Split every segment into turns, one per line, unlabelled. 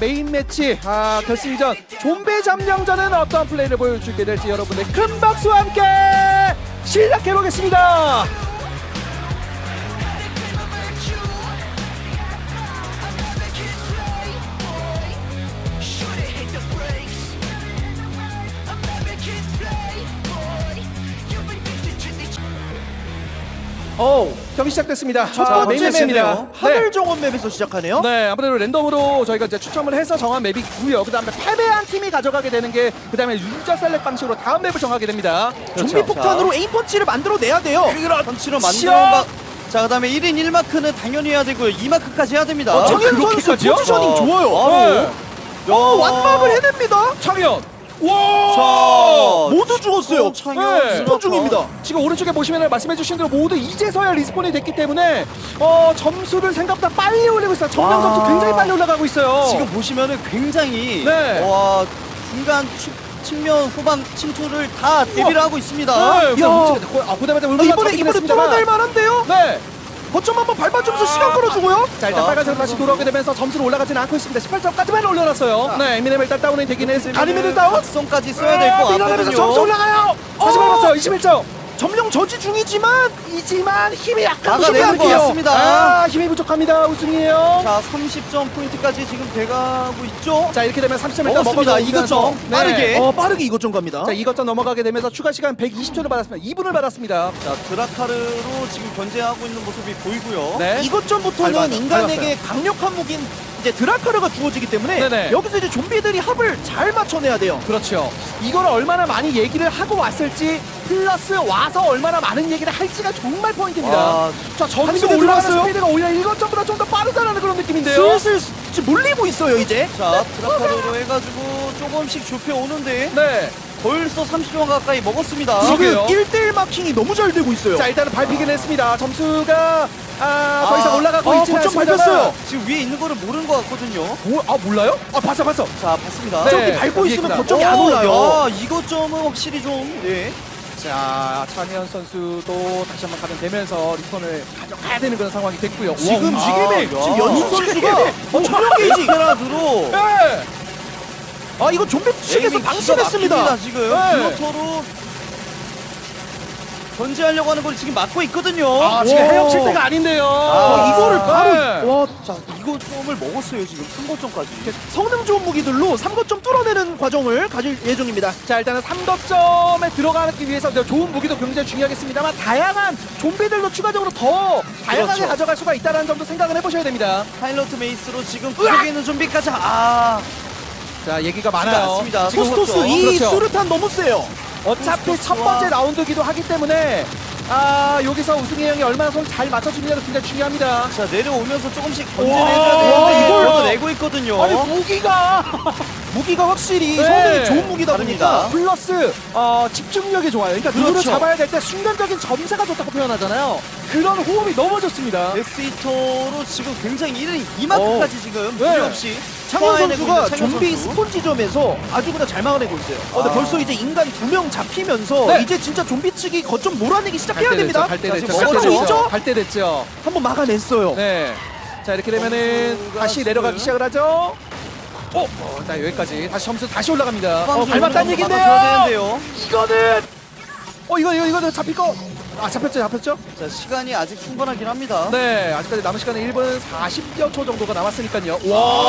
메인 매치 결승전 좀비 점령전은 어떤 플레이를 보여주게 될지 여러분의 큰 박수와 함께 시작해보겠습니다. 경기 시작됐습니다.
첫
메인
번째
매치입니다.
맵이네요. 하늘 정원 맵에서 시작하네요.
네, 아무래도 랜덤으로 저희가 이제 추첨을 해서 정한 맵이 있고요. 그 다음에 패배한 팀이 가져가게 되는 게 그 다음에 유저 셀렉 방식으로 다음 맵을 정하게 됩니다.
좀비 폭탄으로 에임 펀치를 만들어내야 돼요.
펀치로 만들어가. 자, 그다음에 1인 1마크는 당연히 해야 되고요. 2마크까지 해야 됩니다.
정현 선수
그렇게까지요?
포지셔닝 좋아요.
네.
완막을 해냅니다.
창현! 와!
자,
모두 죽었어요.
네.
스폰 중입니다.
지금 오른쪽에 보시면 말씀해주신 대로 모두 이제서야 리스폰이 됐기 때문에 점수를 생각보다 빨리 올리고 있어요. 정량 점수 굉장히 빨리 올라가고 있어요.
지금 보시면은 굉장히
네.
와, 중간 측면 후방 침투를 다 대비를 하고 있습니다.
네, 보다마자
이번에 뚫어낼 만한데요.
네.
거점 한번 밟아주면서 시간 끌어주고요.
자, 일단 빨간색으로 다시 돌아오게 되면서 점수는 올라가지는 않고 있습니다. 18점까지만 올려놨어요. 네, 에미넴 일단 다운이 되긴 했습니다. 가리미를 다운.
각성까지 써야 될 것
밀어내면서
같거든요.
점수 올라가요. 다시 밟았어요. 21점.
점령 저지 중이지만
힘이 약간
막아내는 것 같습니다.
힘이 부족합니다. 우승이에요.
자, 30점 포인트까지 지금 돼가고 있죠.
자, 이렇게 되면 30점 일단
먹었습니다.
넘어가면서
이것점
네.
빠르게.
빠르게 이것 좀 갑니다.
자, 이것점 넘어가게 되면서 추가 시간 120초를 받았습니다. 2분을 받았습니다.
자, 드라카르로 지금 견제하고 있는 모습이 보이고요.
네.
이것 전부터는
밟았어요.
인간에게 강력한 무기인 이제 드라카르가 주어지기 때문에
네네.
여기서 이제 좀비들이 합을 잘 맞춰내야 돼요.
그렇죠. 이걸 얼마나 많이 얘기를 하고 왔을지 플러스 와서 얼마나 많은 얘기를 할지가 정말 포인트입니다.
와,
자, 점수
한 손에
올라가는
들어갔어요?
스피드가 오히려 이것점보다 좀 더 빠르다는 그런 느낌인데요.
슬슬 지금 몰리고 있어요 이제.
자, 드라카르로 해가지고 조금씩 좁혀 오는데
네.
벌써 30점 가까이 먹었습니다.
지금
지금
그러게요.
1대1 마킹이 너무 잘 되고 있어요.
자, 일단은 밟히긴 했습니다. 점수가 더 이상 올라가고 있지는
거점
않습니다만.
밟혔어요.
지금 위에 있는 거를 모르는 것 같거든요.
몰라요? 봤어.
자, 봤습니다.
네.
저기 밟고 있으면
여기구나.
거점이 안 올라요.
야, 이것 점은 확실히 좀 네.
자, 차미현 선수도 다시 한번 가면되면서 리턴을 가져가야 되는 그런 상황이 됐고요.
지금
와,
지금의
야.
지금 연수 선수가 점령 게이지.
드라카르로
네.
이거 좀비 측에서 방심했습니다.
지금
네.
플로터로 견제하려고 하는 걸 지금 막고 있거든요.
지금
와.
헤엄칠 때가 아닌데요.
이거를 바로
네.
와
자, 이거 점을 먹었어요 지금 3거점까지.
성능 좋은 무기들로 3거점 뚫어내는 과정을 가질 예정입니다.
자, 일단은 3덕점에 들어가기 위해서 좋은 무기도 굉장히 중요하겠습니다만 다양한 좀비들도 추가적으로 더 다양하게
그렇죠.
가져갈 수가 있다는 점도 생각을 해보셔야 됩니다.
파일럿 메이스로 지금 구석에 있는 좀비까지
자, 얘기가 많아요.
맞습니다.
지금
토스토스 이
그렇죠.
수류탄 너무 세요.
어차피 첫 번째 라운드기도 하기 때문에 여기서 우승희 형이 얼마나 손 잘 맞춰주느냐가 굉장히 중요합니다.
자, 내려오면서 조금씩
와,
견제해줘야 되는데
이걸
이걸 내고 있거든요.
아니 무기가
무기가 확실히
네.
성능이 좋은 무기다
다릅니다.
보니까
플러스 집중력이 좋아요. 그러니까 누구를
그렇죠.
잡아야 될 때 순간적인 점사가 좋다고 표현하잖아요. 그런 호흡이 너무 좋습니다.
데스히터로 지금 굉장히 1인 2마크까지 지금
네.
무리 없이
창현
소화해내고
선수가
있는 창현
좀비
선수.
스폰지점에서 아주 그냥 잘 막아내고 있어요. 근데 벌써 이제 인간 2명 잡히면서
네.
이제 진짜 좀비 측이 거점 몰아내기 시작해야 됩니다.
갈때
자,
됐죠.
지금
시작하고
먹었죠?
있죠?
갈때 됐죠.
한번 막아냈어요.
네. 자, 이렇게 되면은
선수가
다시
지금
내려가기 시작을 하죠. 일단 여기까지 다시 점수 다시 올라갑니다.
후방수
밟았다는
이런 거
얘긴데요.
막아줘야 되는데요.
이거는 이거 잡힐 거. 잡혔죠?
자, 시간이 아직 충분하긴 합니다.
네, 아직까지 남은 시간은 1분 40여 초 정도가 남았으니까요.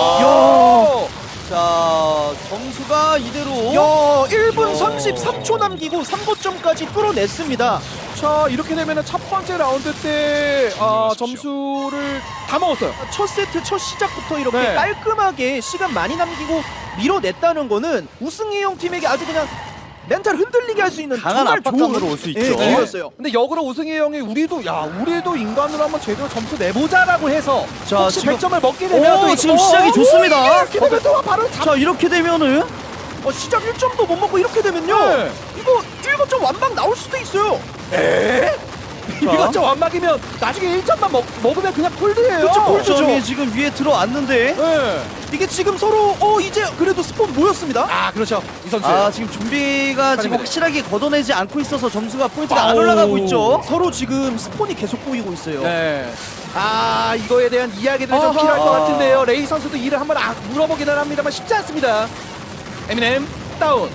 와.
자, 점수가 이대로
야, 1분
야.
33초 남기고 3거점까지 뚫어냈습니다.
자, 이렇게 되면은 첫 번째 라운드 때 점수를 다 먹었어요.
첫 세트 첫 시작부터 이렇게
네.
깔끔하게 시간 많이 남기고 밀어냈다는 거는 우승희 형 팀에게 아주 그냥 멘탈 흔들리게 할 수 있는
강한
정말
압박감으로
좋은
올수
예,
있죠.
기회였어요.
근데 역으로 우승희 형이 우리도 인간으로 한번 제대로 점수 내보자라고 해서
자,
혹시
지금-
100점을 먹게 되면
오,
또
지금 시작이 좋습니다.
이렇게 되면 또 바로
자, 이렇게 되면은
시작 1점도 못 먹고 이렇게 되면요.
네.
이거 1거점 완방 나올 수도 있어요.
이것저 완막이면 나중에 1점만 먹으면 그냥 콜드예요.
그쵸, 콜드.
점이 지금 위에 들어왔는데
네.
이게 지금 서로 이제 그래도 스폰 모였습니다.
아 그렇죠. 이 선수.
지금 좀비가 지금
빨리
확실하게 걷어내지 않고 있어서 점수가 포인트가 안
아우.
올라가고 있죠.
서로 지금 스폰이 계속 보이고 있어요.
네. 아 이거에 대한 이야기들이 좀
아하.
필요할 것 같은데요. 레이 선수도 이를 한번 물어보기는 합니다만 쉽지 않습니다. 에미넴 다운.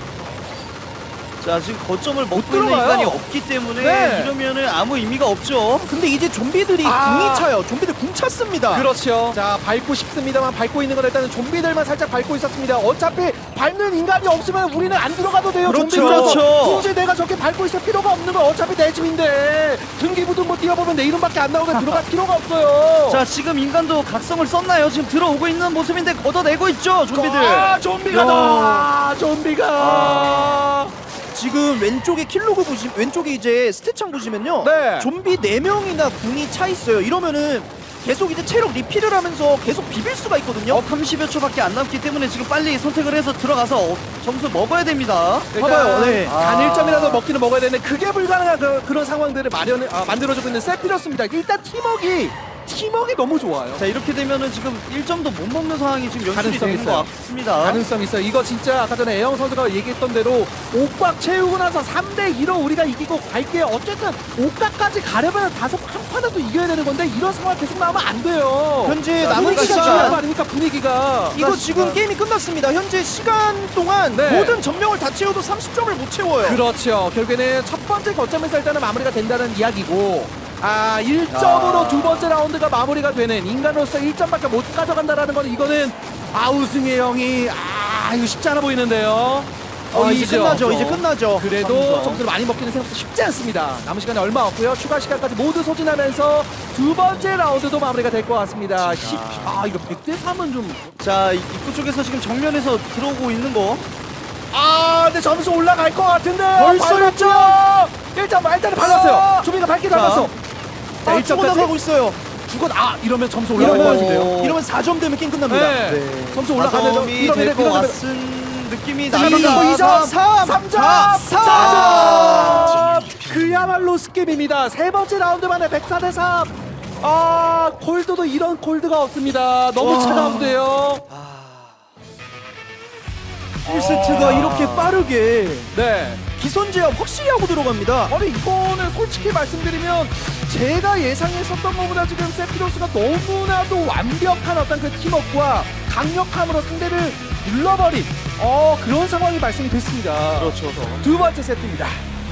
자 지금 거점을 먹고 있는
들어가요.
인간이 없기 때문에
네.
이러면은 아무 의미가 없죠.
근데 이제 좀비들이
아.
궁이 차요. 좀비들 궁 찼습니다.
그렇죠. 자 밟고 싶습니다만 밟고 있는 건 일단은 좀비들만 살짝 밟고 있었습니다. 어차피 밟는 인간이 없으면 우리는 안 들어가도 돼요.
그렇죠.
좀비들.
그렇죠.
굳이 내가 저렇게 밟고 있을 필요가 없는 건 어차피 내 집인데 등기부등 뭐 뛰어보면 내 이름밖에 안 나오면 들어갈 필요가 없어요.
자 지금 인간도 각성을 썼나요? 지금 들어오고 있는 모습인데 걷어내고 있죠 좀비들.
좀비가 나 좀비가.
지금 왼쪽에 킬로그 왼쪽에 이제 스탯창 보시면요.
네.
좀비 4명이나 궁이 차 있어요. 이러면은 계속 이제 체력 리필을 하면서 계속 비빌 수가 있거든요.
30여 초밖에 안 남기 때문에 지금 빨리 선택을 해서 들어가서 점수 먹어야 됩니다.
봐봐요. 네.
단 1점이라도 먹기는 먹어야 되는데 그게 불가능한 그런 상황들을 만들어주고 있는 세피러스입니다. 일단 팀워크 너무 좋아요.
자 이렇게 되면은 지금 1점도 못 먹는 상황이 지금 연출이
가능성이
되는
있어요.
것 같습니다.
가능성 있어요. 이거 진짜 아까 전에 애영 선수가 얘기했던 대로 옥각 채우고 나서 3대2로 우리가 이기고 갈게요. 어쨌든 옥각까지 가려면 한 판이라도 이겨야 되는 건데 이런 상황 계속 나오면 안 돼요.
현재
자,
남은
분위기가
시간.
중요한 거
시간
아닙니까? 분위기가.
이거 지금 게임이 끝났습니다. 현재 시간 동안
네.
모든 점령을 다 채워도 30점을 못 채워요.
그렇죠. 결국에는 첫 번째 거점에서 일단은 마무리가 된다는 이야기고 1점으로 두 번째 라운드가 마무리가 되는 인간으로서 1점밖에 못 가져간다라는 건 이거는 우승의 형이 이거 쉽지 않아 보이는데요.
이제
이죠.
끝나죠. 이제 끝나죠.
그래도
삼성.
점수를 많이 먹기는 생각보다 쉽지 않습니다. 남은 시간이 얼마 없고요. 추가 시간까지 모두 소진하면서 두 번째 라운드도 마무리가 될 것 같습니다. 이거 100대 3은 좀
자 입구 쪽에서 지금 정면에서 들어오고 있는 거.
근데 점수 올라갈 것 같은데
벌써
일단 발랐어요. 조비가 밟기도
자.
않았어. 자,
치고 나가고 있어요.
이러면 점수 올라갈 것 같은데요.
이러면 4점 되면 게임 끝납니다.
네. 점수 올라가면
점이 될 것 같은 느낌이 납니다.
2점,
3,
3점,
4점.
4점. 그야말로 스킵입니다. 세 번째 라운드 만에 104대 3. 콜드도 이런 콜드가 없습니다. 너무
와.
차가운데요.
1세트가 이렇게 빠르게
네.
기선 제압 확실히 하고 들어갑니다.
아니 이거는 솔직히 말씀드리면 제가 예상했었던 것보다 지금 세피로스가 너무나도 완벽한 어떤 그 팀워크와 강력함으로 상대를 눌러버린 그런 상황이 발생이 됐습니다.
그렇죠.
두 번째 세트입니다.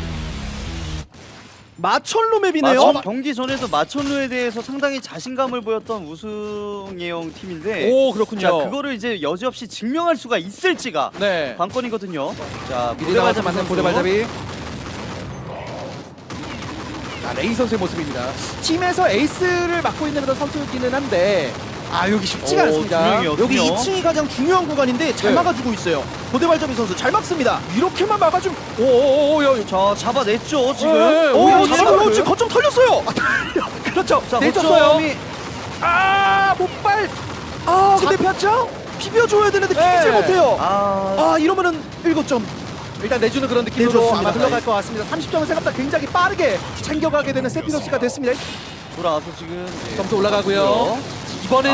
마철로 맵이네요.
경기 전에도 마천루에 대해서 상당히 자신감을 보였던 우승예영 팀인데
오 그렇군요.
자 그거를 이제 여지없이 증명할 수가 있을지가
네.
관건이거든요. 자
미리 나와서
고대발잡이
만든
선수.
고대발잡이. 레이 선수의 모습입니다. 팀에서 에이스를 맡고 있는 그런 선수이기는 한데 여기 쉽지가
오,
않습니다.
두 명이요.
여기
그럼요.
2층이 가장 중요한 구간인데 잘
네.
막아주고 있어요. 고대발잡이 선수 잘 막습니다.
이렇게만 막아주면 오오오오
자 잡아냈죠 지금.
네,
오,
오히려
잡아요. 지금 거점 털렸어요.
그렇죠.
자
내줬어요.
거점이
못발.
근데
폈죠?
비벼줘야 되는데
네.
비비질 못해요.
아
이러면은 7점.
일단 내주는 그런 느낌으로
내줬습니다.
아마 흘러갈 것 같습니다. 30점을 생각보다 굉장히 빠르게 챙겨가게 되는 세피로스가 됐습니다.
돌아와서 지금
점수 올라가고요. 이번에는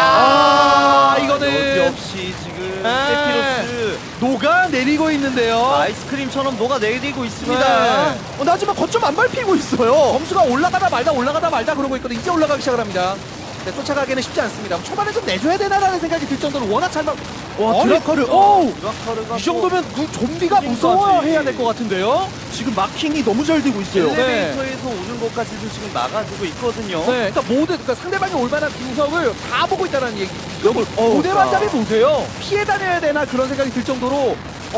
이거는
여지없이 지금
네.
세피로스
녹아 내리고 있는데요.
아이스크림처럼 녹아내리고 있습니다.
네.
하지만 거점 안 밟히고 있어요.
점수가 올라가다 말다 그러고 있거든요. 이제 올라가기 시작을 합니다. 네, 쫓아가기는 쉽지 않습니다. 초반에 좀 내줘야 되나라는 생각이 들 정도로 워낙 잘 막.
드라카르.
드라카르가
이 정도면 좀비가 무서워해야 될 것 같은데요.
지금 마킹이 너무 잘 되고 있어요.
엘리베이터에서 오는 것까지도 지금 막아주고 있거든요.
네, 그러니까 상대방이 올만한 구석을 다 보고 있다는 얘기.
여기
고대반잡이 보세요. 피해 다녀야 되나 그런 생각이 들 정도로.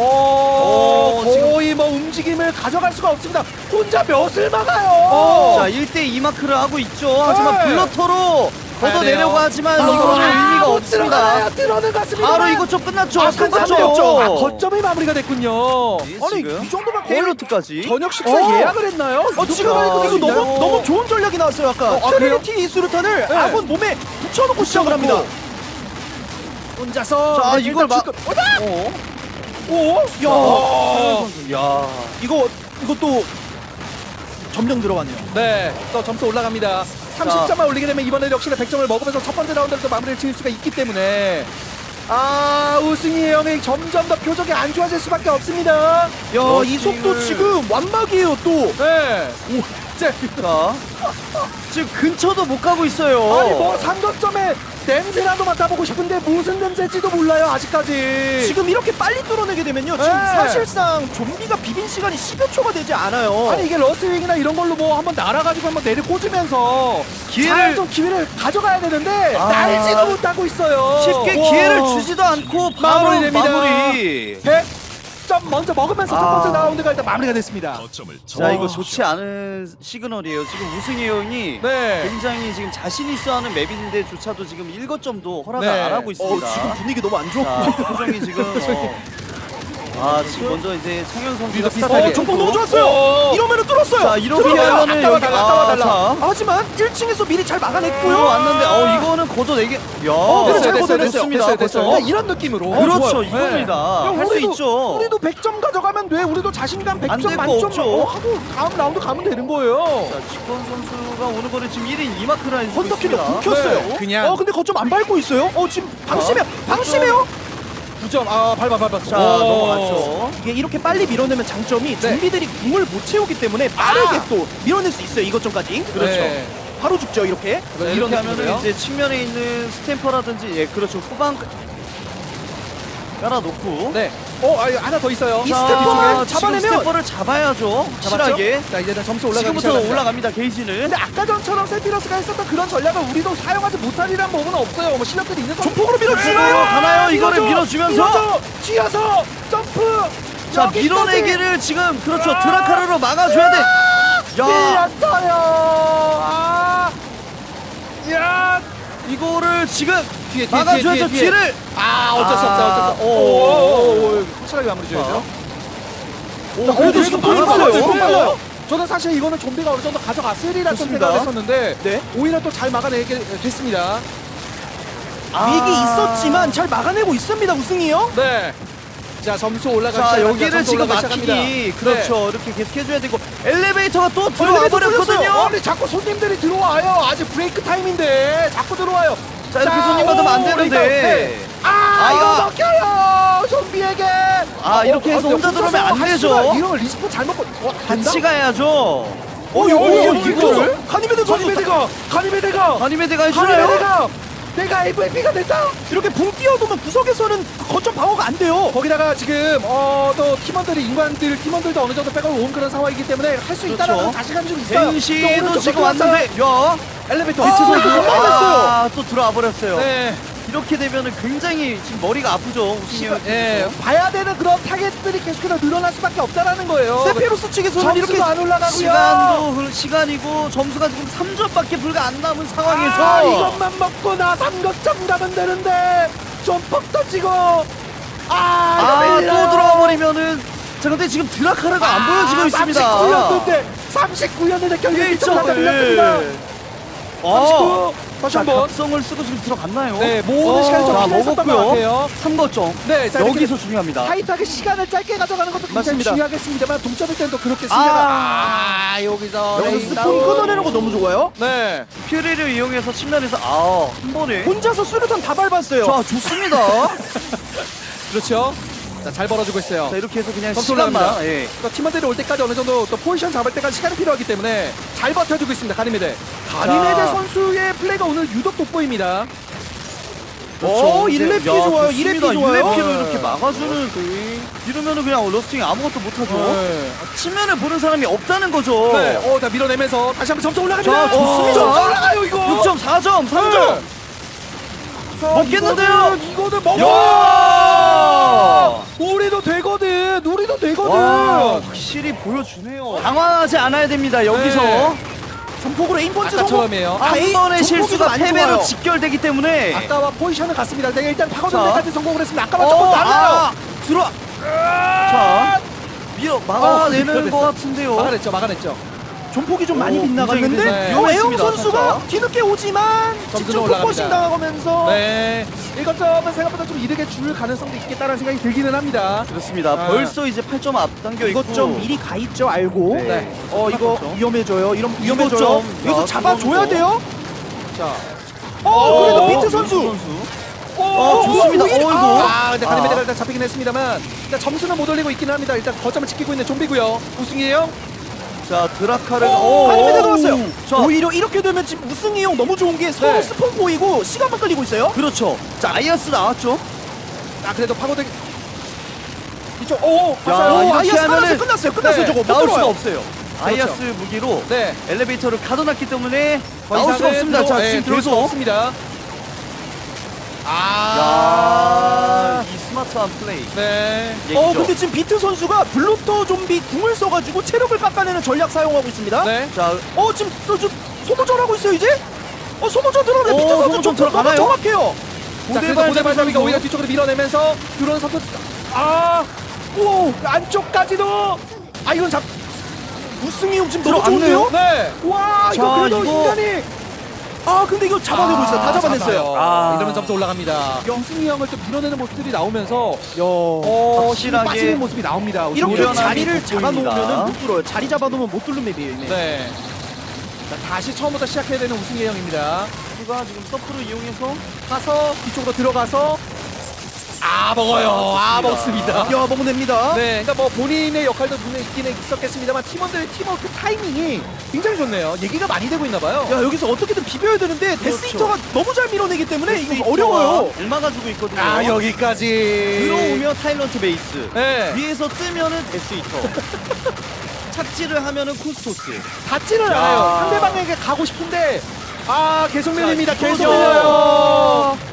거의 뭐 움직임을 가져갈 수가 없습니다. 혼자 몇을 막아요.
자 1대2 마크를 하고 있죠. 하지만
네.
블러터로 걷어내려고
가야
하지만
돼요.
이거는 의미가
못
없습니다.
들어가요. 들어는 갔습니다.
바로 이거 좀 끝났죠.
끝났죠.
끝났죠.
거점이 마무리가 됐군요. 아니
지금
이 정도면 거의
헤일로트까지.
저녁 식사 예약을 했나요?
지금 하니까 이거 너무 좋은 전략이 나왔어요. 아까
그래요?
트리니티 수류탄을
네.
아군 몸에 붙여놓고 시작을 합니다.
혼자서.
자 이걸 막.
오?
야,
야.
이것도 점령 들어가네요.
네, 또 점수 올라갑니다. 30점만 올리게 되면 이번에 역시나 100점을 먹으면서 첫 번째 라운드를 또 마무리를 지을 수가 있기 때문에 우승희 형이 점점 더 표정이 안 좋아질 수밖에 없습니다.
야, 이
러스팅을-
속도 지금 완막이에요 또.
네.
자, 지금 근처도 못 가고 있어요.
아니 뭐 삼각점에 냄새라도 맡아보고 싶은데 무슨 냄새일지도 몰라요 아직까지.
지금 이렇게 빨리 뚫어내게 되면요. 지금
네.
사실상 좀비가 비빈 시간이 10여 초가 되지 않아요.
아니 이게 러스윙이나 이런 걸로 뭐 한번 날아가지고 한번 내려 꽂으면서
기회를-
좀 기회를 가져가야 되는데
아.
날지도 못하고 있어요.
쉽게
와.
기회를 주지도 않고 바로
마무리됩니다.
마무리.
100점 먼저 먹으면서 첫 번째 라운드가 일단 마무리가 됐습니다.
자, 이거 좋지 않은 시그널이에요. 지금 우승희 형이
네.
굉장히 지금 자신 있어 하는 맵인데조차도 지금 1거점도 허락을
네.
안 하고 있습니다.
지금 분위기 너무 안 좋고.
자, 표정이 지금 지금 먼저 이제 창현 선수가
위도 비슷하게.
정보 너무 좋았어요. 이러면은 뚫었어요.
자, 이렇게
들어가요.
하면은
아까워
여기-
달라, 아까워 달라.
자.
하지만 1층에서 미리 잘 막아냈고요.
왔는데 이거는 걷어내게. 야,
그래, 잘 걷어냈어요.
됐습니다.
됐어요.
걷어.
이런 느낌으로.
그렇죠,
좋아요.
이겁니다.
야,
할 수
우리도-
있죠.
우리도 100점 가져가면 돼. 우리도 자신감
안
100점
될 거
만점
없죠.
하고 다음 라운드 가면 되는 거예요.
자, 직권 선수가 오는 거는 지금 1인 2마크를 해주고
헌터키도
있습니다.
묵혔어요.
네, 그냥.
근데 거점 안 밟고 있어요. 지금 방심해요.
9점. 밟았어.
자, 넘어갔죠.
이게 이렇게 빨리 밀어내면 장점이
네.
좀비들이 궁을 못 채우기 때문에 빠르게 또 밀어낼 수 있어요. 이것점까지.
그렇죠.
바로 죽죠 이렇게.
자,
이런
이렇게
느낌으로요.
하면은 이제 측면에 있는 스탬퍼라든지 그렇죠. 후방 깔아놓고
네. 하나 더 있어요.
이
자,
스탬퍼만
지금
잡아내면-
스탬퍼를 잡아야죠.
잡았죠?
확실하게.
자, 이제는 점수 올라가기
지금부터
시작합니다.
올라갑니다. 게이지는.
근데 아까 전처럼 세피러스가 했었던 그런 전략을 우리도 사용하지 못하리란 부분은 없어요. 뭐 실력들이 있는 선수.
조폭으로 밀어주나요?
가나요? 이거를
밀어줘,
밀어주면서.
밀어줘, 쥐어서 점프.
자,
여기까지.
밀어내기를 지금 그렇죠. 드라카르로 막아줘야 돼. 야,
밀렸어요. 야,
이거를 지금
뒤에,
막아줘야죠. 뒤를.
어쩔 수 없어요. 어쩔 수 없어요.
오.
확실하게 마무리 줘야죠.
그래도 지금
빨라요.
빨라요.
저는 사실 이거는 좀비가 어느 정도 가져갔으리라 좀
좋습니다.
생각했었는데
네.
오히려 또 잘 막아내게 됐습니다.
위기 있었지만 잘 막아내고 있습니다 우승이요.
네. 자, 점수 올라가기
자,
시작합니다.
여기를
점수
지금
올라가기
막히기
시작합니다.
그렇죠. 이렇게 계속 해줘야 되고 엘리베이터가 또 들어와
엘리베이터 뚫렸어요.
버렸거든요.
아니, 자꾸 손님들이 들어와요. 아직 브레이크 타임인데 자꾸 들어와요.
자, 이렇게 손님 받으면 안 되는데.
네.
아.
이거 먹혀요. 좀비에게.
이렇게 해서 혼자 들어오면 안 되죠.
이런 리스폰 잘 먹고
같이 가야죠.
이거를?
가니메드 선수
가니메데가
가니메데가 해주나요?
내가 MVP가 됐다.
이렇게 붕 뛰어도면 구석에서는 거점 방어가 안 돼요.
거기다가 지금 또 팀원들이 팀원들도 어느 정도 백업을 온 그런 상황이기 때문에 할 수 있다는
그렇죠.
그런 자신감이 좀 있어요.
벤시도 지금 왔는데 야
엘리베이터
아,
선수.
또 들어와 버렸어요.
네.
이렇게 되면은 굉장히 지금 머리가 아프죠. 우승이 형.
봐야 되는 그런 타겟들이 계속해서 늘어날 수밖에 없다는 거예요.
세페로스 측에서는
점수도
이렇게
안 올라가고요.
시간이고 점수가 지금 3점밖에 불과 안 남은 상황에서
이것만 먹고 나 3극점 가면 되는데 좀 퍽 터지고
또 들어와 버리면 자 근데 지금 드라카르가 안 보여지고 있습니다.
39였는데 결국
예,
1점 다
예.
밀렸습니다. 39. 다시
자,
한번.
각성을 쓰고 지금 들어갔나요?
네, 모든 시간이 좀
자,
필요했었던 것
먹었고요.
같아요.
3거점.
네, 자,
여기서 중요합니다.
타이트하게 시간을 짧게 가져가는 것도 굉장히
맞습니다.
중요하겠습니다만 동점일 때는 또 그렇게 승자가 여기서
여기서
레인
스폰
다운.
끊어내는 거 너무 좋아요.
네.
퓨리를 이용해서 측면에서 한 번에
혼자서 수류탄 다 밟았어요.
자 좋습니다.
그렇죠. 자, 잘 벌어주고 있어요.
자 이렇게 해서 그냥
점수
시간만
올라갑니다.
예.
그러니까 팀원들이 올 때까지 어느 정도 또 포지션 잡을 때까지 시간이 필요하기 때문에 잘 버텨주고 있습니다. 가니메데 선수의 플레이가 오늘 유독 돋보입니다.
그렇죠. 이제-
1렙 피
야,
좋아요.
좋습니다.
1렙 피 좋아요.
1렙 피로
네.
이렇게 막아주는 이러면은 그냥 러스팅이 아무것도 못하죠.
네.
측면을 보는 사람이 없다는 거죠.
네. 다 밀어내면서 다시 한번 점수 올라갑니다.
자, 좋습니다.
점수 올라가요 이거.
6.4점, 3점. 먹겠는데요?
이거는 먹어.
야!
우리도 되거든. 우리도 되거든.
와, 확실히 보여주네요. 당황하지 않아야 됩니다. 여기서
네.
전폭으로 에임번지
아까처럼이에요.
한 번의 실수가
많이
패배로
좋아요.
직결되기 때문에
아까와 포지션을 같습니다. 내가 일단
자.
파고들때까지 성공을 했습니다. 아까와 조금 달라요.
들어와. 자, 막아내는
됐어.
것 같은데요.
막아냈죠. 막아냈죠.
존폭이 좀 많이
오,
빗나갔는데
굉장히
애영
위험했습니다,
선수가
살짝.
뒤늦게 오지만
점수는
직접
올라갑니다.
포커싱 당하면서
네, 1거점은 생각보다 좀 이득에 줄 가능성도 있겠다는 생각이 들기는 합니다.
그렇습니다.
아.
벌써 이제 8점 앞당겨 있고.
이것 좀 미리 가 있죠 알고.
네.
이거
그렇죠.
위험해져요. 이런 위험해져요.
좀,
여기서
아,
잡아줘야
그건
돼요.
자,
그래도 비트 선수.
좋습니다.
오히려-
어이구.
아, 근데 가르메데가 일단 잡히긴 했습니다만 일단 점수는 못 올리고 있기는 합니다. 일단 거점을 지키고 있는 좀비고요. 우승이에요.
자, 드라카를.
가르메데가 왔어요.
자,
오히려 이렇게 되면 지금 우승이 형 너무 좋은 게 서로
네.
스폰 보이고 시간만 끌리고 있어요.
그렇죠. 자, 아이아스 나왔죠.
아, 그래도 파고들 이쪽 오,
야,
봤어요.
이렇게
아이아스
하면은
끝났어요.
네,
저거 못
나올 수가
들어와요.
없어요. 아이아스 무기로
네.
엘리베이터를 가둬놨기 때문에
더
나올 수가
이상은
없습니다. 자,
네,
지금
들어올 수가
계속.
없습니다.
야, 이 스마트한 플레이.
네.
얘기죠.
근데 지금 비트 선수가 블루터 좀비 궁을 써가지고 체력을 깎아내는 전략 사용하고 있습니다.
네.
자,
지금 소모전 하고 있어요 이제? 소모전 들어오네. 비트 선수
소모전
좀
들어가나요?
정확해요.
자, 그래도 고대발잡이가 오히려 뒤쪽으로 밀어내면서 드론 선수 오, 안쪽까지도 이건 잡
우승이 형 지금 너무
들어왔네요.
좋은데요?
네.
와,
자,
이거 그래도
이거-
인간이 근데 이거 잡아내고 있어요. 다 잡아냈어요.
이러면 점수 올라갑니다. 영승이 형을 또 밀어내는 모습들이 나오면서
야.
힘이
확실하게
빠지는 모습이 나옵니다.
이렇게
노련함이
자리를
돋보입니다.
잡아놓으면 못 뚫어요. 자리 잡아놓으면 못 뚫는 맵이에요. 이미.
네. 자, 다시 처음부터 시작해야 되는 우승희 형입니다.
누가 지금 서프를 이용해서
가서 뒤쪽으로 들어가서 먹어요. 먹습니다.
야, 먹어냅니다.
네, 그러니까 뭐 본인의 역할도 분명히 있긴 있었겠습니다만 팀원들의 팀워크 타이밍이 굉장히 좋네요. 얘기가 많이 되고 있나 봐요.
야, 여기서 어떻게든 비벼야 되는데
그렇죠.
데스히터가 너무 잘 밀어내기 때문에 이거
데스히터가
어려워요.
잘 막아주고 있거든요.
여기까지
들어오면 타일런트 베이스.
네.
위에서 뜨면은 데스히터. 착지를 하면은 쿠스토스.
닿지는
자.
않아요. 상대방에게 가고 싶은데 계속 밀립니다.
자,
계속
이거죠.
밀려요.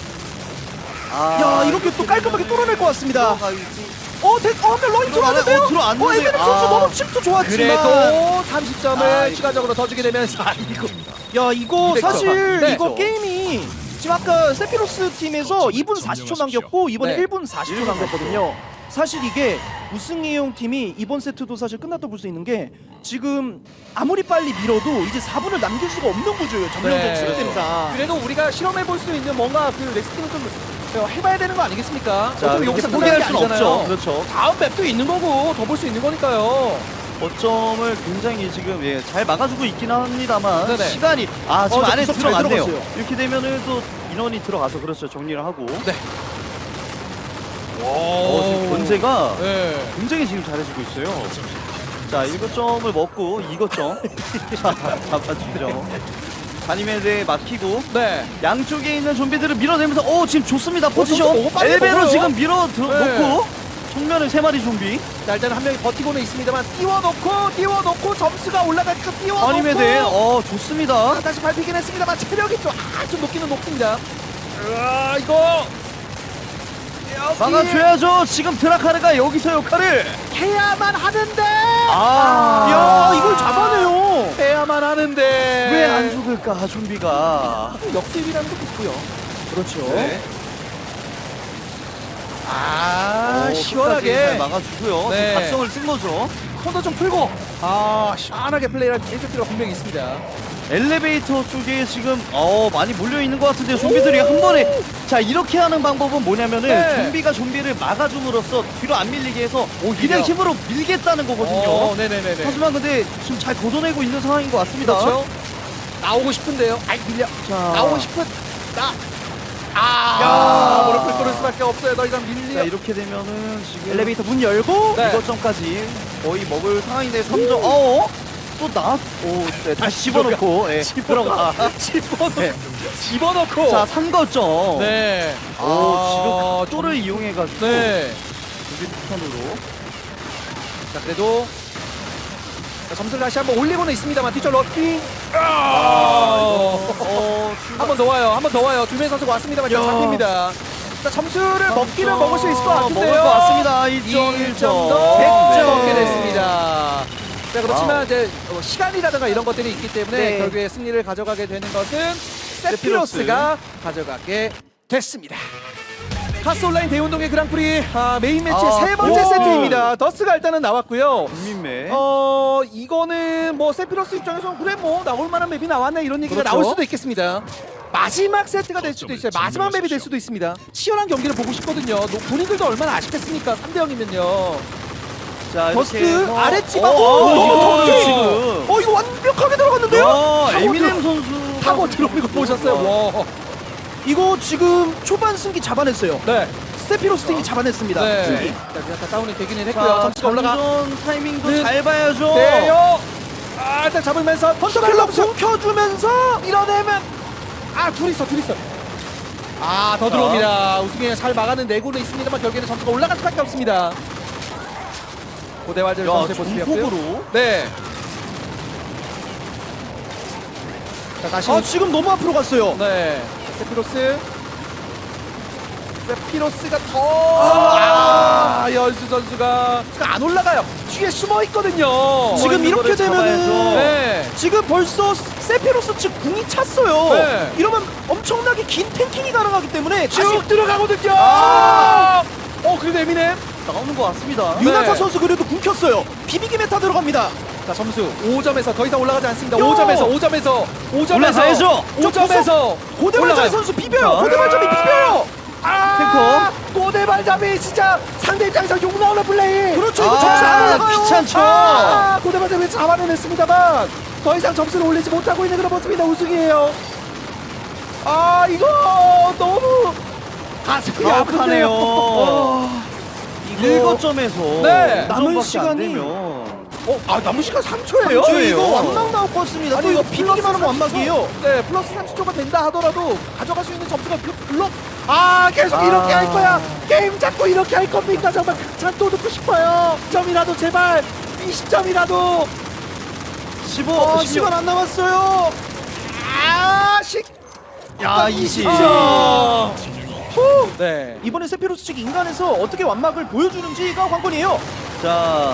야, 이렇게 또 깔끔하게 뚫어낼 것 같습니다.
들어가야지.
한명 러인 들어왔는데요?
들어왔는데.
에베렉 선수 너무 침투 좋았지만.
그래도 30점을
아, 이거.
추가적으로 더 주게 되면서 이거
야, 이거
200점.
사실
네.
이거 게임이 지금 아까 세피로스 팀에서 2분 40초 남겼고 이번에
네.
1분 40초 남겼거든요. 사실 이게 우승이용 팀이 이번 세트도 사실 끝났다 볼 수 있는 게 지금 아무리 빨리 밀어도 이제 4분을 남길 수가 없는 구조예요. 점령적
네.
시스템상.
그래도 우리가 실험해 볼 수 있는 뭔가 그 넥스트는 좀 해봐야 되는 거 아니겠습니까?
자,
어차피
여기서
여기서
포기할
끝나는 게
수는 없죠.
아니잖아요.
그렇죠.
다음 맵도 있는 거고 더 볼 수 있는 거니까요.
거점을 굉장히 지금 잘 막아주고 있긴 합니다만
네네.
시간이 지금 안에
구석 잘
들어갔네요.
들어갔어요.
이렇게 되면은 또 인원이 들어가서 그렇죠. 정리를 하고.
네.
지금 견제가
네.
굉장히 지금 잘해주고 있어요. 자, 1거점을 먹고 2거점 잡아주죠. 가니메드에 막히고
네.
양쪽에 있는 좀비들을 밀어내면서 지금 좋습니다. 포지션
너무 빨리
엘베로
먹어요.
지금 밀어
네.
놓고 정면에 3마리 좀비.
자, 일단 한 명이 버티고는 있습니다만 띄워놓고 점수가 올라가니까 띄워놓고
가니메드에 좋습니다.
다시 밟히긴 했습니다만 체력이 좀 높기는 높습니다. 이거 여기
막아줘야죠. 지금 드라카르가 여기서 역할을
해야만 하는데
야, 이걸 잡아내요.
해야만 하는데
왜 안 죽을까 좀비가.
역습이라는 것도 있고요.
그렇죠.
네.
시원하게
시원하게 잘 막아주고요.
네.
지금 각성을 쓴 거죠.
손도 좀 풀고 시원하게 플레이를 해줄 필요가 분명히 있습니다.
엘리베이터 쪽에 지금 많이 몰려 있는 것 같은데 좀비들이 한 번에 자 이렇게 하는 방법은 뭐냐면은
네.
좀비가 좀비를 막아줌으로써 뒤로 안 밀리게 해서
오히려.
그냥 힘으로 밀겠다는 거거든요.
네네네네.
하지만 근데 지금 잘 걷어내고 있는 상황인 것 같습니다.
그렇죠. 나오고 싶은데요. 밀려.
자.
나오고 싶은 무릎을 꿇을 수밖에 없어요. 더 이상
자
밀려.
이렇게 되면은 지금
엘리베이터 문 열고
네.
2거점까지 거의 먹을 상황인데 3점. 또 네, 다시 집어넣고 들어가.
집어넣고.
네.
집어넣고.
자 3거점.
네.
지금 각도를 이용해가지고
네.
여기 폭탄으로.
자, 그래도 점수를 다시 한번 올리고는 있습니다만 뒤쪽 럭키. 한 번 더 와요. 한 번 더 와요. 두명 선수가 왔습니다만 지금
야.
잡힙니다. 자, 점수를 먹기는 먹을 수 있을 것 같은데요.
먹을 것 같습니다.
1점
1점.
더
100점.
먹게 됐습니다. 자, 그렇지만
와우.
이제 시간이라든가 이런 것들이 있기 때문에
네.
결국에 승리를 가져가게 되는 것은
세피로스.
세피로스가 가져가게 됐습니다. 카스 온라인 대운동의 그랑프리 메인 매치의
아,
세 번째
오.
세트입니다. 자, 더스가 일단은 나왔고요.
국민매.
이거는 뭐 세피로스 입장에서 그래 뭐 나올 만한 맵이 나왔네 이런 얘기가
그렇죠.
나올 수도 있겠습니다. 마지막 세트가 될 수도 있어요. 마지막 맵이 될 수도 있습니다. 치열한 경기를 보고 싶거든요. 본인들도 얼마나 아쉽겠습니까? 3대 0이면요.
자,
더스트
이렇게 해서-
아랫지방
이거
터치!
지금.
이거 완벽하게 들어갔는데요?
야,
타고
에미넴 선수
타고 들어오는 거 보셨어요? 와.
이거 지금 초반 승기 잡아냈어요.
네.
세피로스 팀이 잡아냈습니다.
네.
승기.
자, 약간 다운이 되기는 했고요.
자,
점수가 올라가.
장전 타이밍도
네.
잘 봐야죠.
네요. 일단 잡으면서
헌터킬러 켜주면서
밀어내면 둘 있어. 더 들어옵니다. 우승에 잘 막아는 내고는 있습니다만 결국에는 점수가 올라갈 수밖에 없습니다. 고대활절
야,
선수의 모습이었고요.
중폭으로.
네. 자, 다시
지금 너무 앞으로 갔어요.
네. 세피로스가 더 연수 선수가 안 올라가요. 뒤에 숨어 있거든요.
지금
있는
이렇게
거를
되면은
잡아야죠.
네.
지금 벌써 세피로스 측 궁이 찼어요.
네.
이러면 엄청나게 긴 탱킹이 가능하기 때문에
쭉 들어가거든요. 그래도 에미넴.
나오는 것 같습니다.
유나타
네.
선수 그래도 궁 켰어요. 비비기 메타 들어갑니다.
자, 점수 5점에서 더 이상 올라가지 않습니다.
야!
5점에서
올라가야죠.
5점에서
고대발잡이
올라가요.
선수 비벼요.
자.
고대발잡이 비벼요.
고대발잡이 진짜 상대 입장에서 욕 나오는 플레이.
그렇죠. 이거
아,
점수 안 올라가요.
귀찮죠.
고대발잡이 잡아내냈습니다만 더 이상 점수를 올리지 못하고 있는 그런 모습입니다. 우승이에요. 이거 너무 가슴이 아프네요.
아프네요.
이거
7점에서
네.
남은 시간이
남은 시간 3초예요?
이거 완막 나올 것 같습니다. 또 이거 비비기만 하면 완막이에요.
네, 플러스 30초가 된다 하더라도 가져갈 수 있는 점수가 물론 계속 이렇게 할 거야. 게임 잡고 이렇게 할 겁니까? 정말 극찬 또 듣고 싶어요. 10점이라도 제발 20점이라도
15,
시간 안 남았어요.
야, 20.
네.
이번에 세피로스 측 인간에서 어떻게 완막을 보여주는지가 관건이에요.
자.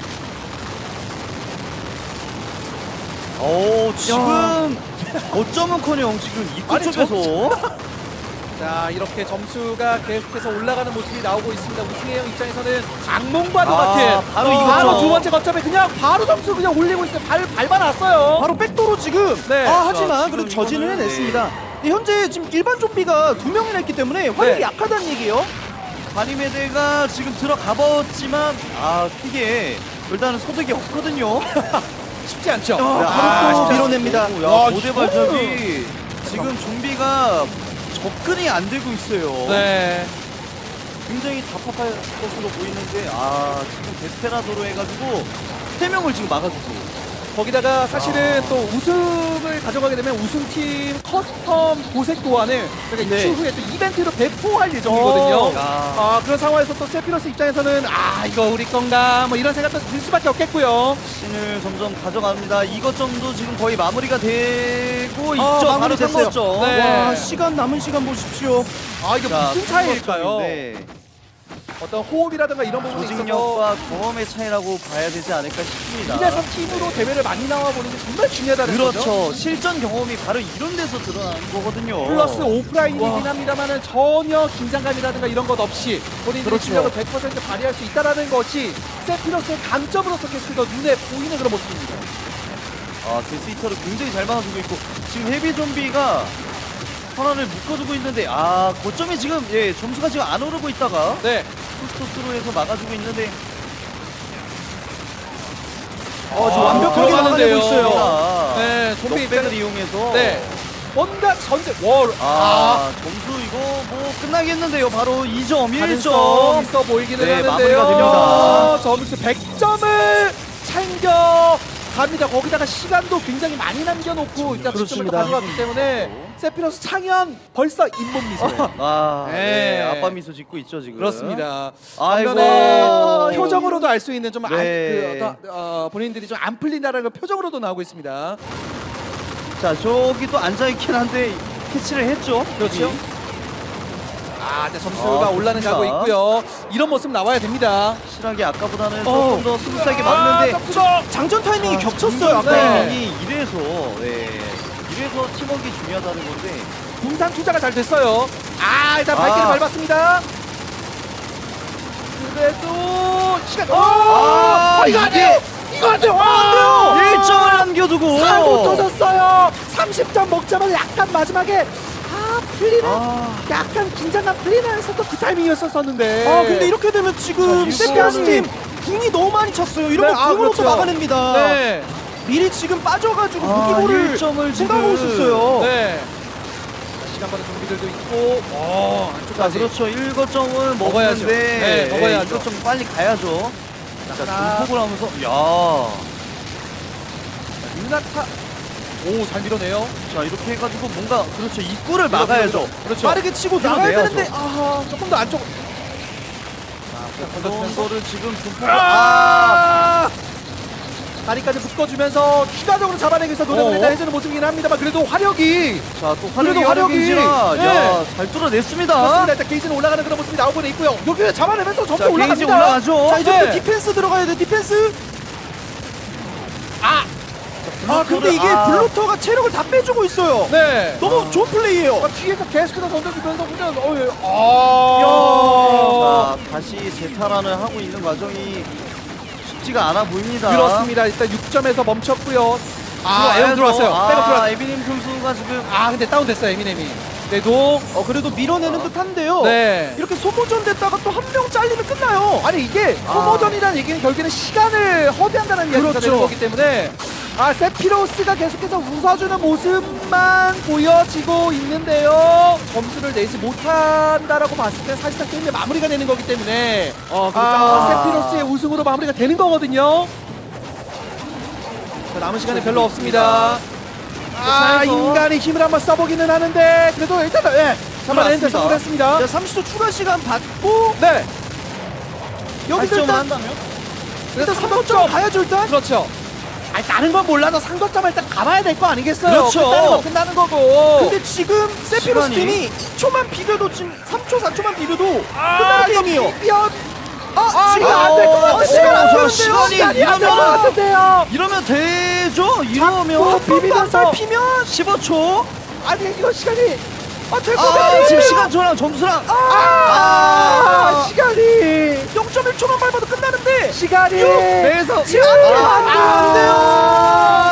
지금 어쩌면커녕 지금 입구
아니,
쪽에서
자, 이렇게 점수가 계속해서 올라가는 모습이 나오고 있습니다. 우승의 형 입장에서는 악몽과도 같은
바로 이거죠.
두 번째 거점에 그냥 바로 점수 그냥 올리고 있어요. 밟아놨어요.
바로 백도로 지금.
네.
하지만
지금
그래도 저지는
이거는,
해냈습니다. 근데 현재 지금 일반 좀비가 2명이나 있기 때문에 화력이
네.
약하다는 얘기예요.
가니메데가 지금 들어가 봤지만 크게 일단은 소득이 없거든요.
쉽지 않죠.
바로 또 밀어냅니다.
야, 고대발잡이 지금 좀비가 접근이 안 되고 있어요.
네.
굉장히 답답할 것으로 보이는데 지금 데스페라도로 해가지고 3명을 지금 막아주고
거기다가 사실은 또 우승을 가져가게 되면 우승팀 커스텀 도색 도안을 그러니까
네.
추후에 또 이벤트로 배포할 예정이거든요.
야.
그런 상황에서 또 세피로스 입장에서는 이거 우리 건가 뭐 이런 생각도 들 수밖에 없겠고요.
신을 점점 가져갑니다. 이것점도 지금 거의 마무리가 되고 있죠. 바로
마무리됐어요.
3번점.
네.
와, 시간 남은 시간 보십시오.
이게 무슨 차이일까요? 어떤 호흡이라든가 이런 부분에 있어서
조직력과 경험의 차이라고 봐야 되지 않을까 싶습니다.
팀에서 팀으로 대회를 많이 나와 보는 게 정말 중요하다는 거죠.
그렇죠. 실전 경험이 바로 이런 데서 드러나는 거거든요.
플러스 오프라인이긴 합니다만은 전혀 긴장감이라든가 이런 것 없이 본인들의
그렇죠.
실력을 100% 발휘할 수 있다는 것이 세피로스의 강점으로서 계속 더 눈에 보이는 그런 모습입니다.
데스히터를 굉장히 잘 막아주고 있고 지금 헤비 좀비가 하나를 묶어두고 있는데 거점이 지금 점수가 지금 안 오르고 있다가
네.
투스토스로 해서 막아주고 있는데
지금 완벽하게
들어가는데요.
막아내고 있어요.
네, 좀비
넉백을
입장에-
이용해서
네. 뭔가 전제 월.
점수 이거 뭐 끝나겠는데요. 바로 2점,
가능성
1점.
있어 보이기는
네,
하는데요.
마무리가 됩니다.
점수 100점을 챙겨 갑니다. 거기다가 시간도 굉장히 많이 남겨놓고 일단 득점을
그렇습니다.
가져갔기 때문에 세피로스 창현 벌써 잇몸 미소예요.
네.
네.
아빠 미소 짓고 있죠 지금.
그렇습니다.
아이고.
반면에 표정으로도 알 수 있는 좀
네.
본인들이 좀 안 풀린다는 걸 표정으로도 나오고 있습니다.
자 저기 또 앉아 있긴 한데 캐치를 했죠.
그렇죠. 이제 점수가 올라는
좋습니다.
가고 있고요. 이런 모습 나와야 됩니다.
확실하게 아까보다는 조금 더 스무스하게 맞는데
점수가
장전 타이밍이 겹쳤어요. 아까.
네.
이래서 팀워크가 중요하다는 건데
분산 투자가 잘 됐어요. 일단 발길을 밟았습니다. 그래도 시간. 이거 안
이게-
돼요. 이거 안 돼요. 안 돼요.
1점을 남겨두고
사고 터졌어요. 30점 먹자마자 약간 마지막에 풀리는 약간 긴장감 풀리는 했었던 그 타이밍이었었는데.
근데 이렇게 되면 지금
자,
세피로스
이거-
팀 궁이 너무 많이 찼어요. 이런
네,
거 궁으로
그렇죠.
또 막아냅니다.
네.
미리 지금 빠져가지고 무기고를
1점을
생각하고
지금-
있었어요.
네. 시간 많은 경기들도 있고.
자,
안쪽까지.
그렇죠. 1거점을
먹어야죠.
먹었는데
네, 먹어야죠.
1거점 빨리 가야죠. 자,
하나.
중폭을 하면서 야.
유나타. 오, 잘 밀어내요.
자, 이렇게 해가지고 뭔가 그렇죠. 입구를 막아야죠.
그렇죠.
빠르게 치고
밀어내야죠.
나가야 되는데
조금 더 안쪽.
그런 거를 지금 중폭을
다리까지 묶어주면서 추가적으로 잡아내기 위해서 노력을 일단 해주는 모습이긴 합니다만 그래도 화력이
자, 또
그래도
화력인지라
화력이-
야, 잘 뚫어냈습니다.
그렇습니다. 일단 게이지는 올라가는 그런 모습이 나오고 있고요. 여기 잡아내면서 점수
자,
올라갑니다.
게이지 올라가죠.
자 이제부터
네.
디펜스 들어가야 돼. 디펜스. 근데 이게
블루터를-
블루터가 체력을 다 빼주고 있어요.
네.
너무 좋은 플레이예요.
뒤에서 계속해서 던져주면서 그냥
자, 다시 재탈환을 하고 있는 과정이 쉽지가 않아 보입니다.
그렇습니다. 일단 6점에서 멈췄고요. 에어
들어와야죠.
들어왔어요. 백업 들어왔어요.
에비님 선수가 지금
근데 다운됐어요, 에미넴이. 그래도
그래도 밀어내는 듯한데요.
네.
이렇게 소모전 됐다가 또 한 명 잘리면 끝나요.
아니 이게 소모전이라는 얘기는 결국에는 시간을 허비한다는 이야기가
그렇죠.
되는 거기 때문에 세피로스가 계속해서 웃어주는 모습만 보여지고 있는데요. 점수를 내지 못한다라고 봤을 때 사실상 게임의 마무리가 되는 거기 때문에 세피로스의 우승으로 마무리가 되는 거거든요. 자, 남은 시간이 별로 없습니다. 인간이 힘을 한번 써보기는 하는데 그래도 일단은 잡아내는 데
들어왔습니다.
성공했습니다.
자, 30초 추가 시간 받고
네.
여기서
8점을
일단
한다면?
일단
3점
3점 가야죠 일단.
그렇죠. 다른 건 몰라도 상점점을 일단 가봐야 될 거 아니겠어요?
그렇죠.
끝나는 거 끝나는 거고.
근데 지금 세피로스
시간이-
팀이 2초만 비벼도 지금 3초 4초만 비벼도 끝나는 게임이에요.
시간 안 될 것 같은데요.
시간 안 되는데요.
시간이
시간이 안 될 것
이러면-
같은데요.
이러면 되죠? 이러면
자꾸 비비면서
피면
15초?
아니 이거 시간이
될 것 같아요.
지금 시간 저랑 점수랑
시간이
0.1초만 밟아도 끝나는데
시간이
그래서
시간 안 돼요.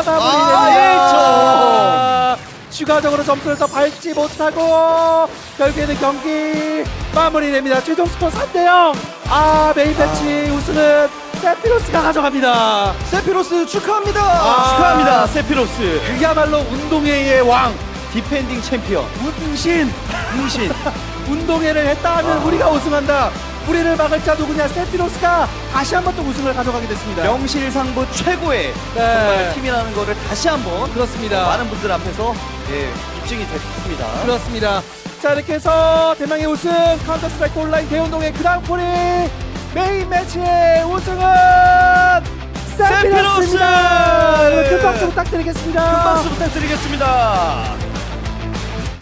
마무리됩니다. 추가적으로 점수를 더 밟지 못하고 결국에는 경기 마무리됩니다. 최종 스코어 3대0. 메인 매치 우승은 세피로스가 가져갑니다.
세피로스 축하합니다.
축하합니다 세피로스
그야말로 운동회의 왕
디펜딩 챔피언
운신
문신
운동회를 했다 하면 우리가 우승한다. 우리를 막을 자 누구냐? 세피로스가 다시 한번 또 우승을 가져가게 됐습니다.
명실상부 최고의 정말 팀이라는 거를 다시 한번
그렇습니다.
많은 분들 앞에서 입증이 됐습니다.
그렇습니다. 자 이렇게 해서 대망의 우승 카운터 스트라이크 온라인 대운동의 그랑프리 메인 매치의 우승은 세피로스입니다. 큰 박수 부탁드리겠습니다.
큰 박수 부탁드리겠습니다.